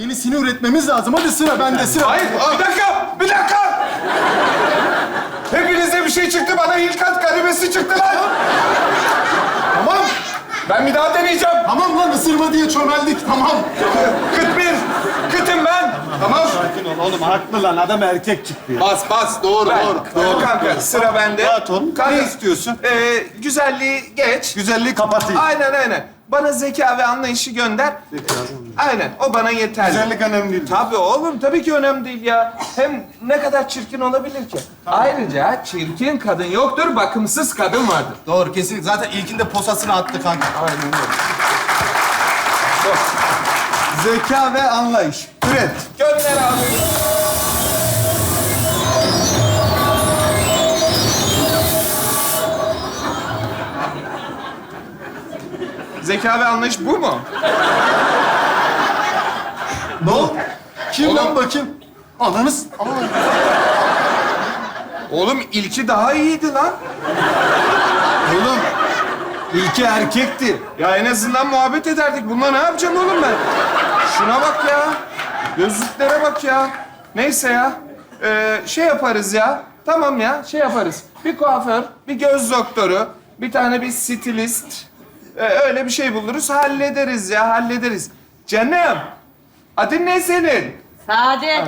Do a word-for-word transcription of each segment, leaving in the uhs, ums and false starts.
Yenisini üretmemiz lazım. Hadi sıra bende sıra. Hayır, bir dakika, bir dakika! Hepinize bir şey çıktı, bana Hilkat karimesi çıktı lan! Tamam. Ben bir daha deneyeceğim. Tamam lan ısırma diye çömeldik. Tamam. Kıt bir, kıtım ben. Tamam. Sakin ol oğlum, haklı lan. Adam erkek çıktı ya. Bas bas. Doğru Ben, doğru. doğru. Kanka, sıra bende. Rahat ol. Kanka, Ne istiyorsun? Ee, güzelliği geç. Güzelliği kapatayım. Aynen, aynen. Bana zeka ve anlayışı gönder. Aynen, o bana yeterli. Güzellik önemli değil. Tabii oğlum, tabii ki önemli değil ya. Hem ne kadar çirkin olabilir ki? Ayrıca çirkin kadın yoktur, bakımsız kadın vardır. Doğru kesinlikle. Zaten ilkinde posasını attı kanka. Aynen öyle. Zeka ve anlayış. Üret. Gönder abi. Zeka ve anlayış bu mu? Ne oldu? Kim Oğlum. lan bakayım? Ananız. Aa. Oğlum ilki daha iyiydi lan. Oğlum, ilki erkekti. Ya en azından muhabbet ederdik. Bununla ne yapacağım oğlum ben? Şuna bak ya. Gözlüklere bak ya. Neyse ya. Ee, şey yaparız ya. Tamam ya, şey yaparız. Bir kuaför, bir göz doktoru, bir tane bir stilist. Ee, öyle bir şey buluruz, hallederiz ya, hallederiz. Canım, adın ne senin? Saadet.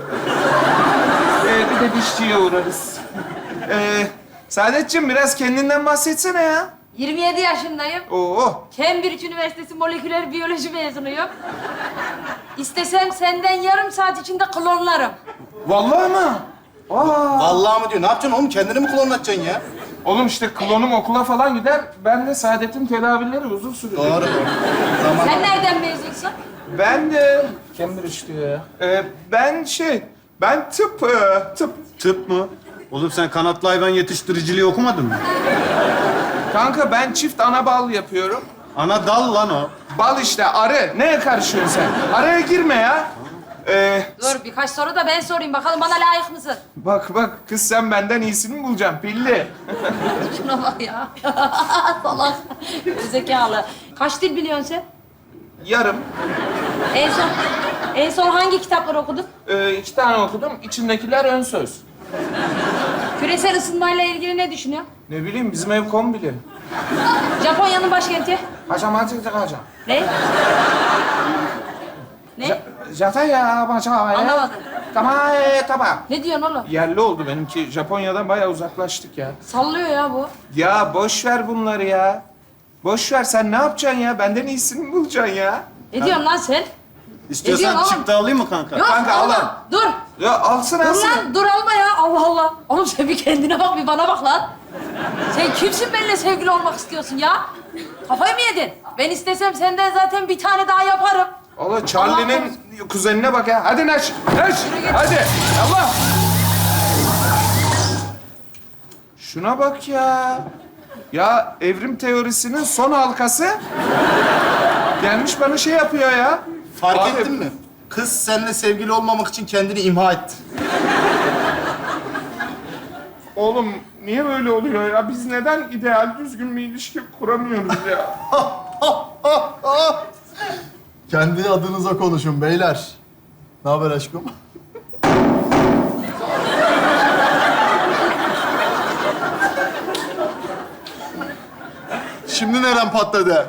Ee, bir de dişçiye uğrarız. Ee, Saadetciğim biraz kendinden bahsetsene ya. yirmi yedi yaşındayım. Oo. Cambridge Üniversitesi moleküler biyoloji mezunuyum. İstesem senden yarım saat içinde klonlarım. Vallahi mı? Aa. Vallahi mı diyor? Ne yapacaksın oğlum? Kendini mi klonlatacaksın ya? Oğlum işte klonum okula falan gider. Ben de Saadet'in tedavileri uzun sürüyor. Doğru. Tamam. Sen nereden mezunsun? Ben de... Cambridge diyor ya. Ee, ben şey... Ben tıp... e, tıp. Tıp mı? Oğlum sen kanatlı hayvan yetiştiriciliği okumadın mı? Kanka ben çift ana bal yapıyorum. Ana dal lan o. Bal işte arı. Neye karışıyorsun sen? Araya girme ya. Ee, Dur birkaç soru da ben sorayım. Bakalım bana layık mısın? bak bak kız sen benden iyisini mi bulacaksın pilli? Şuna bak ya. Salak. Zekalı. Kaç dil biliyorsun sen? Yarım. En son, en son hangi kitapları okudun? Ee, iki tane okudum. İçindekiler ön söz. Küresel ısınmayla ilgili ne düşünüyorsun? Ne bileyim bizim ev kombili. Japonya'nın başkenti? Hacam hacam hacam. Ne? Ne? Japonya hacam. Anlamadım. Tamam tamam. Ne diyorsun oğlum? Yerli oldu benimki. Japonya'dan bayağı uzaklaştık ya. Sallıyor ya bu. Ya boş ver bunları ya. Boş ver sen ne yapacaksın ya? Benden iyisini mi bulacaksın ya? Ne diyorsun lan sen? İstiyorsan diyorsun oğlum? çıktı alayım mı kanka? Yok Kanka, alma. al lan. Dur. Ya alsın Dur alsın. lan. Dur alma ya. Allah Allah. Oğlum sen bir kendine bak bir bana bak lan. Sen kimsin benimle sevgili olmak istiyorsun ya? Kafayı mı yedin? Ben istesem senden zaten bir tane daha yaparım. Allah Charlie'nin kuzenine bak ya. Hadi Neş. Neş. Hadi. Allah. Şuna bak ya. Ya evrim teorisinin son halkası gelmiş bana şey yapıyor ya. Fark Abi, ettin mi? Kız seninle sevgili olmamak için kendini imha etti. Oğlum niye böyle oluyor ya? Biz neden ideal düzgün bir ilişki kuramıyoruz ya? Kendi adınıza konuşun beyler. Ne haber aşkım? Şimdi neren patladı?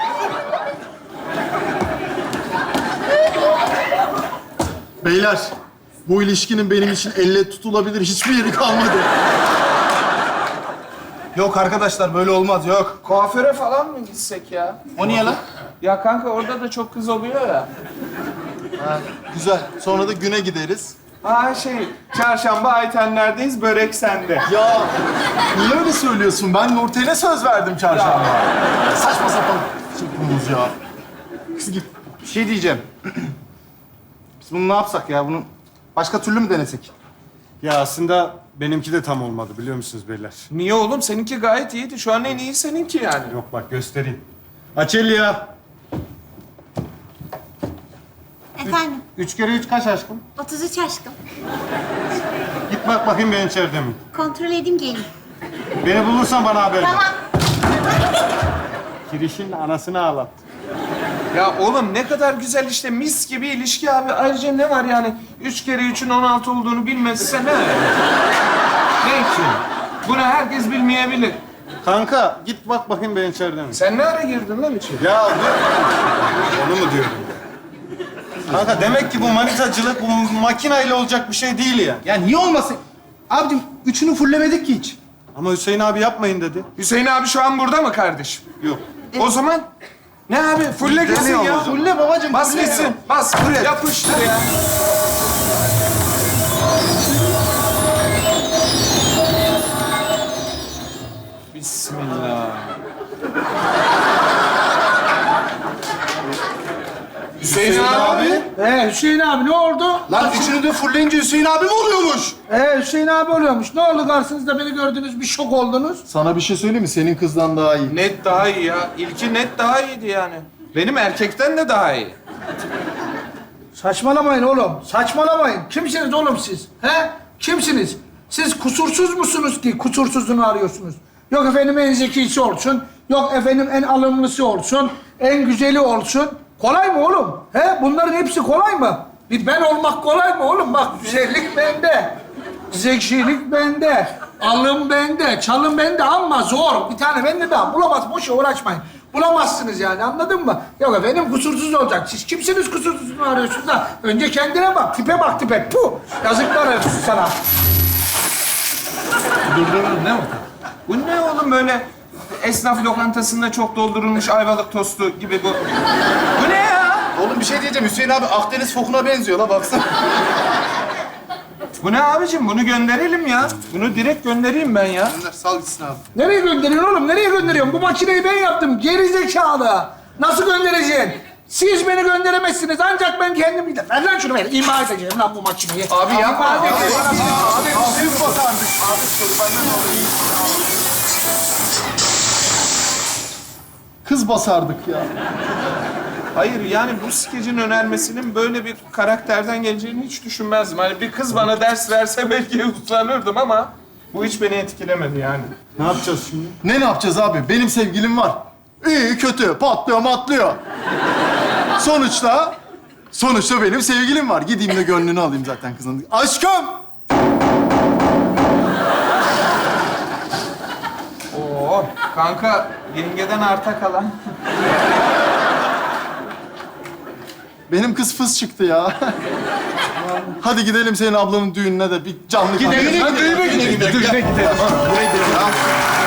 Beyler, bu ilişkinin benim için elle tutulabilir hiçbir yeri kalmadı. Yok arkadaşlar, böyle olmaz, yok. Kuaföre falan mı gitsek ya? O niye lan? Ya kanka orada da çok kız oluyor ya. Ha, güzel. Sonra da güne gideriz. Ha şey, çarşamba Aytenler'deyiz, börek sende. Ya niye öyle söylüyorsun? Ben Nurten'e söz verdim çarşamba. Saçma sapan çıkmamız ya. Kız git. Bir şey diyeceğim. Biz bunu ne yapsak ya? Bunu başka türlü mü denesek? Ya aslında benimki de tam olmadı biliyor musunuz beyler? Niye oğlum? Seninki gayet iyiydi. Şu an en iyi seninki yani. Yok bak göstereyim. Açelya. Efendim, Üç kere üç kaç aşkım? otuz üç aşkım. Git bak bakayım ben içeride mi? Kontrol edeyim gelin. Beni bulursan bana haber ver. Tamam. Kirişin anasını ağlat. Ya oğlum ne kadar güzel işte mis gibi ilişki abi. Ayrıca ne var yani? Üç kere üçün on altı olduğunu bilmezse ne? Ne ki? Bunu herkes bilmeyebilir. Kanka git bak bakayım ben içeride mi? Sen ne ara girdin lan içeri? Ya dur. Onu mu diyordum? Kanka demek ki bu manitacılık bu makinayla olacak bir şey değil ya. Ya niye olmasın? Abicim üçünü fullemedik ki hiç. Ama Hüseyin abi yapmayın dedi. Hüseyin abi şu an burada mı kardeşim? Yok. O zaman ne abi? Fulle gitsin Deniyor ya. o zaman. Fulle babacığım. Bas fulle. gitsin. Bas. Yapıştır ya. Bismillah. Hüseyin, abi. Ee Hüseyin abi ne oldu? Lan üçünü de fulleyince Hüseyin abi mi oluyormuş? Ee Hüseyin abi oluyormuş. Ne oldu karşınızda beni gördünüz bir şok oldunuz. Sana bir şey söyleyeyim mi? Senin kızdan daha iyi. Net daha iyi ya. İlki net daha iyiydi yani. Benim erkekten de daha iyi. Saçmalamayın oğlum. Saçmalamayın. Kimsiniz oğlum siz? He? Kimsiniz? Siz kusursuz musunuz ki kusursuzluğunu arıyorsunuz? Yok efendim en zekisi olsun. Yok efendim en alımlısı olsun. En güzeli olsun. Kolay mı oğlum? He? Bunların hepsi kolay mı? Bir ben olmak kolay mı oğlum? Bak güzellik bende. Zekilik bende. Alım bende. Çalım bende ama zor. Bir tane bende daha. Bulamaz. Boşa uğraşmayın. Bulamazsınız yani anladın mı? Yok efendim kusursuz olacak. Siz kimsiniz kusursuzluğunu arıyorsunuz da? Önce kendine bak. Tipe bak tipe. Puh! Yazıklar olsun sana. Durdurun değil mi? Bu ne oğlum böyle esnaf lokantasında çok doldurulmuş ayvalık tostu gibi bu. Bu ne ya? Oğlum bir şey diyeceğim. Hüseyin abi Akdeniz fokuna benziyor la baksana. Bu ne abicim? Bunu gönderelim ya. Bunu direkt göndereyim ben ya. Gönder, sal gitsin abi. Nereye gönderiyorsun oğlum? Nereye gönderiyorsun? Bu makineyi ben yaptım. Geri zekalı. Nasıl göndereceksin? Siz beni gönderemezsiniz. Ancak ben kendim giderim. Ver lan şunu ver. İma edeceğim lan bu makineyi. Abi yapma. İma edeceğim. Kız basardık. Abi kurbanın olayım. Kız basardık ya. Hayır yani bu skecin önermesinin böyle bir karakterden geleceğini hiç düşünmezdim. Hani bir kız bana ders verse belki uslanırdım ama bu hiç beni etkilemedi yani. Ne yapacağız şimdi? Ne ne yapacağız abi? Benim sevgilim var. İyi kötü patlıyor matlıyor. Sonuçta sonuçta benim sevgilim var. Gideyim de gönlünü alayım zaten kızın. Aşkım! Oo kanka yengeden arta kalan. Benim kız fıs çıktı ya. Hadi gidelim senin ablanın düğününe de bir canlı gidelim. Düğüne gidelim. Düğüne gidelim. Buraya gidelim.